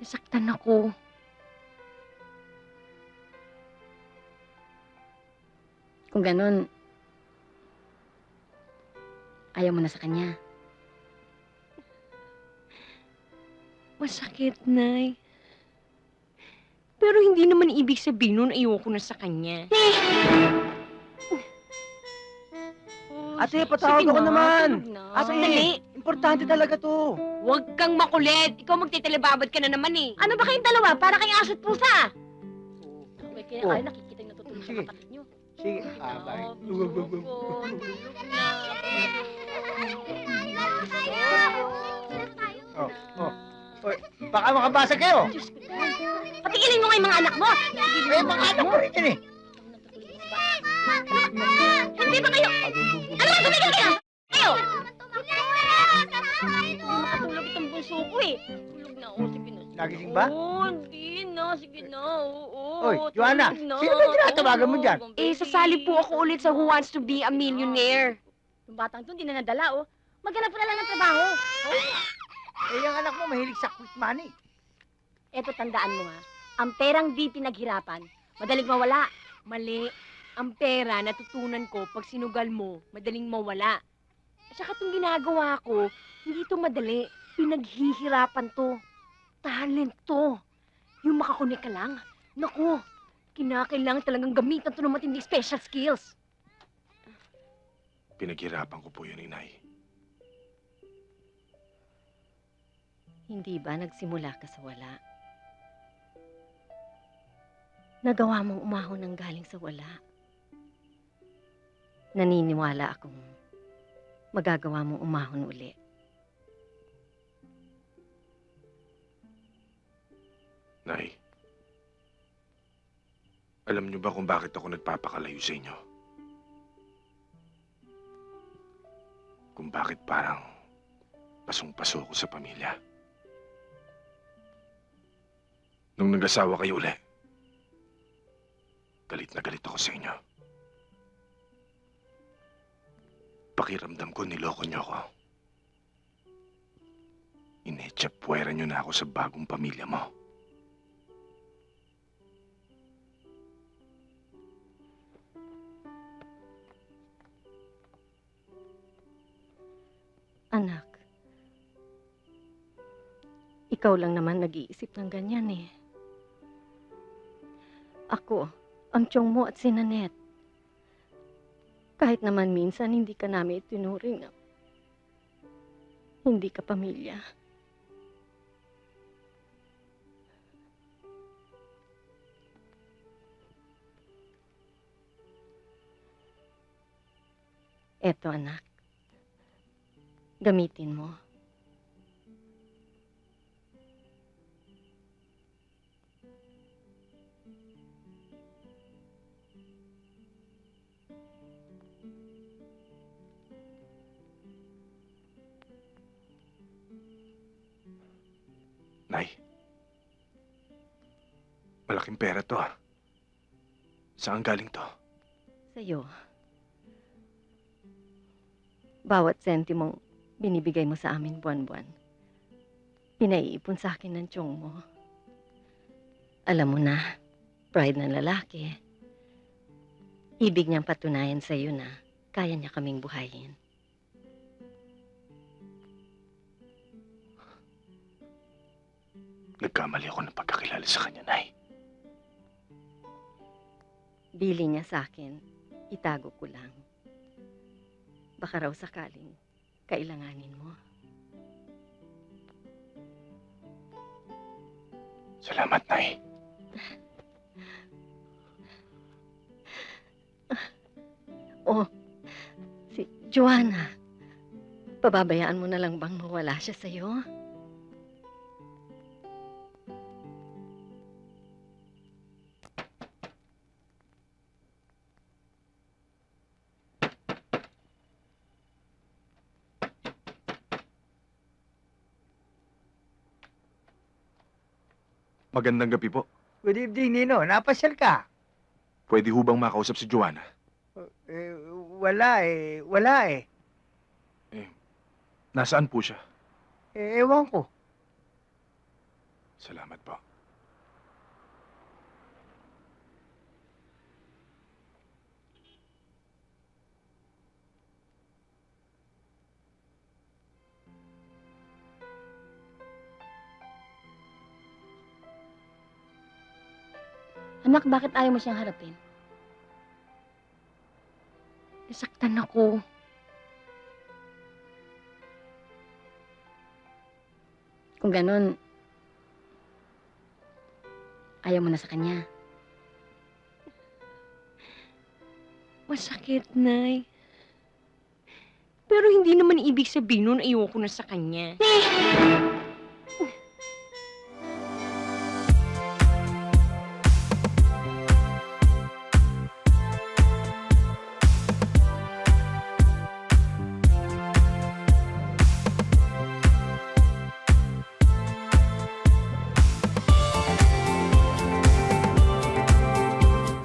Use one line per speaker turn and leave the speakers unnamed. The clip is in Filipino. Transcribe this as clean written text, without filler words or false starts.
Nasaktan ako. Kung ganon, ayaw mo na sa kanya. Masakit, Nay. Pero hindi naman ibig sabihin nun ayoko na sa kanya.
Ate, patawag ako naman. Ate,
Dali.
importante talaga to.
Huwag kang makulit. Ikaw magtitilibabad ka na naman eh. Ano ba kayong dalawa? Para kayong aso't pusa. Okay, kaya
Oh.
kayo nakikita yung natutulog sa
Sige.
kapatid nyo.
Sige. Bye.
Tulog na.
Oh, oh. Oy, baka makabasa kayo.
Diyos ko. Patigilin mo nga yung mga anak mo.
Eh, mga anak ko rin yan eh.
Hindi ba kayo? Ano ba tumigil kayo? Kayo! Hindi makatulog itong bunso ko eh. Tulog na ako, sige na.
Nagising ba?
Oo, hindi na. Sige na, oo.
Oy, Joanna,
tulog na.
sino ba tinatawagan mo dyan?
Eh, sasali po ako ulit sa Who Wants to Be a Millionaire. Yung batang to, hindi na nadala, oh. Maghanap ka na lang ng trabaho.
Eh, yung anak mo mahilig sa quick money.
Eto, tandaan mo ha. Ang perang di pinaghirapan, madaling mawala. Mali. Ang pera, natutunan ko, pag sinugal mo, madaling mawala. At saka itong ginagawa ko, hindi ito madali. Pinaghihirapan to. Talent to. Yung makakunik ka lang. Naku, kinakailangan talagang gamitan to ng matinding special skills.
Pinaghirapan ko po yun, Inay.
Hindi ba nagsimula ka sa wala? Nagawa mong umahon ng galing sa wala. Naniniwala akong magagawa mong umahon uli.
Nay, alam niyo ba kung bakit ako nagpapakalayo sa inyo? Kung bakit parang pasong-paso ko sa pamilya? Nung nag-asawa kayo uli, galit na galit ako sa inyo. Pakiramdam ko niloko niyo ako. Inetsapuera niyo na ako sa bagong pamilya mo.
Anak, ikaw lang naman nag-iisip ng ganyan eh. Ako, ang tiyong mo at si Nanette. Kahit naman minsan hindi ka namin itinuring na hindi ka pamilya. Eto anak, gamitin mo.
Nay, malaking pera to ah. Saan galing to?
Sa'yo. Bawat sentimong binibigay mo sa amin buwan-buwan, pinaiipon sa akin ng tiyong mo. Alam mo na, pride ng lalaki. Ibig niyang patunayan sa iyo na kaya niya kaming buhayin.
Nagkamali ako ng pagkakilala sa kanya, Nay.
Bili niya sa akin, itago ko lang. Baka raw sakaling kailanganin mo.
Salamat, Nay.
Oh, si Joanna. Pababayaan mo na lang bang mawala siya sa'yo?
Magandang gabi po.
Good evening, Nino. Napasyal ka?
Pwede ho bang makausap si Joanna?
Eh, wala eh. Wala eh.
Nasaan po siya?
Eh, ewan ko.
Salamat po.
Anak, bakit ayaw mo siyang harapin? Nasaktan ako. Kung ganon, ayaw mo na sa kanya. Masakit, Nay. Pero hindi naman ibig sabihin nun ayoko na sa kanya.